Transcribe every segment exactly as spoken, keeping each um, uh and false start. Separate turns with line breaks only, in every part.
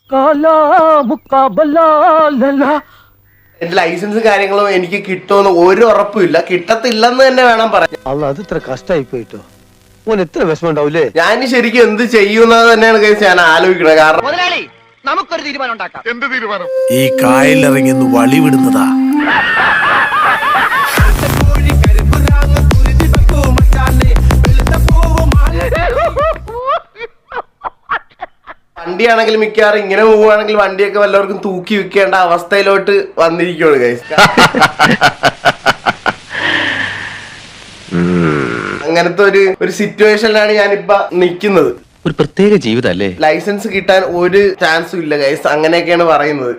എന്റെ ലൈസൻസ് കാര്യങ്ങളും എനിക്ക് കിട്ടുമെന്ന് ഒരു ഉറപ്പില്ല, കിട്ടത്തില്ലെന്ന് തന്നെ വേണം പറയാൻ.
അല്ല അത് ഇത്ര കഷ്ടമായി പോയിട്ടോ, ഓൻ എത്ര വിഷമം ഉണ്ടാവൂലേ.
ഞാൻ ശരിക്കും എന്ത് ചെയ്യുന്നത് തന്നെയാണ് കേസ് ഞാൻ ആലോചിക്കുന്നത്. കാരണം
മുതലാളി നമുക്കൊരു തീരുമാനം ഉണ്ടാക്കാം. എന്ത് തീരുമാനം?
ഈ കായലിറങ്ങി ഒന്ന് വളിവിടുന്നതാ.
വണ്ടിയാണെങ്കിൽ മിക്കവാറും ഇങ്ങനെ പോവുകയാണെങ്കിൽ വണ്ടിയൊക്കെ വല്ലവർക്കും തൂക്കി വിൽക്കേണ്ട അവസ്ഥയിലോട്ട് വന്നിരിക്കുകയാണ് ഗൈസ്. അങ്ങനത്തെ ഒരു ഒരു സിറ്റുവേഷനിലാണ് ഞാനിപ്പോ നിൽക്കുന്നത്.
ഒരു പ്രത്യേക ജീവിതല്ലേ.
ലൈസൻസ് കിട്ടാൻ ഒരു ചാൻസും ഇല്ല ഗൈസ്, അങ്ങനെയൊക്കെയാണ് പറയുന്നത്.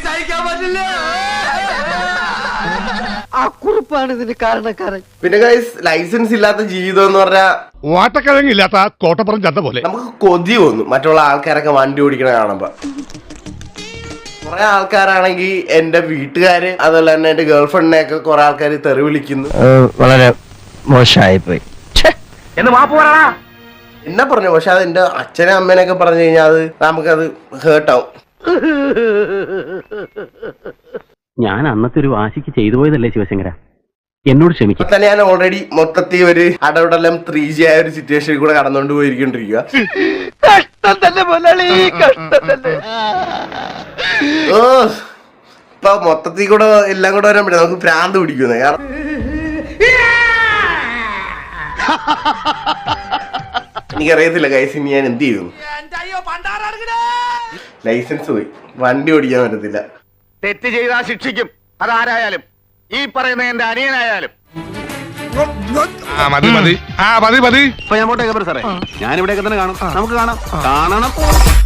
ആ കുറിപ്പാണ് ഇതിന് കാരണക്കാരൻ.
പിന്നെ ഗൈസ് ലൈസൻസ് ഇല്ലാത്ത ജീവിതം എന്ന് പറഞ്ഞാൽ
വാട്ടക്കിഴങ്ങില്ലാത്ത കോട്ടപ്പുറം ചന്ത പോലെ.
നമുക്ക് കൊതി തോന്നും മറ്റുള്ള ആൾക്കാരൊക്കെ വണ്ടി ഓടിക്കണ കാണുമ്പോ. കുറെ ആൾക്കാരാണെങ്കിൽ എന്റെ വീട്ടുകാര് അതുപോലെ തന്നെ എന്റെ ഗേൾഫ്രണ്ടിനെ ഒക്കെ കുറെ ആൾക്കാർ തെറി വിളിക്കുന്നു.
വളരെ മോശമായി പോയി
എന്ന് മാപ്പ് പറയടാ.
എന്നെ പറഞ്ഞു, പക്ഷെ അത് എന്റെ അച്ഛനെ അമ്മേനൊക്കെ പറഞ്ഞു കഴിഞ്ഞാൽ അത് നമുക്കത് ഹേർട്ടാവും.
ഞാൻ അന്നത്തെ ഒരു വാശിക്ക് ചെയ്തു പോയതല്ലേ ശിവശങ്കര, എന്നോട് ക്ഷമിക്കും.
തന്നെ ഞാൻ ഓൾറെഡി മൊത്തത്തിൽ ഒരു അടവിടെല്ലാം ത്രീ ജി ആയ ഒരു സിറ്റുവേഷനിൽ കൂടെ കടന്നുകൊണ്ട് പോയിരിക്കൊണ്ടിരിക്കുക. ഓ ഇപ്പൊ മൊത്തത്തിൽ കൂടെ എല്ലാം കൂടെ വരാൻ പറ്റും, നമുക്ക് ഭ്രാന്ത് പിടിക്കുന്നത്. കാരണം എനിക്കറിയത്തില്ല കൈസ്, ഇനി ഞാൻ എന്ത് ചെയ്യുന്നു. ലൈസൻസ് പോയി, വണ്ടി ഓടിക്കാൻ പറ്റത്തില്ല.
തെറ്റ് ചെയ്താൽ ശിക്ഷിക്കും, അതാരായാലും. ഈ പറയുന്ന എന്റെ അനിയനായാലും.
ആ മതി മതി ആ മതി മതി
ഇപ്പൊ ഞാൻ പോട്ടെ സാറേ, ഞാൻ ഇവിടെയൊക്കെ തന്നെ കാണും. നമുക്ക് കാണാം കാണണം.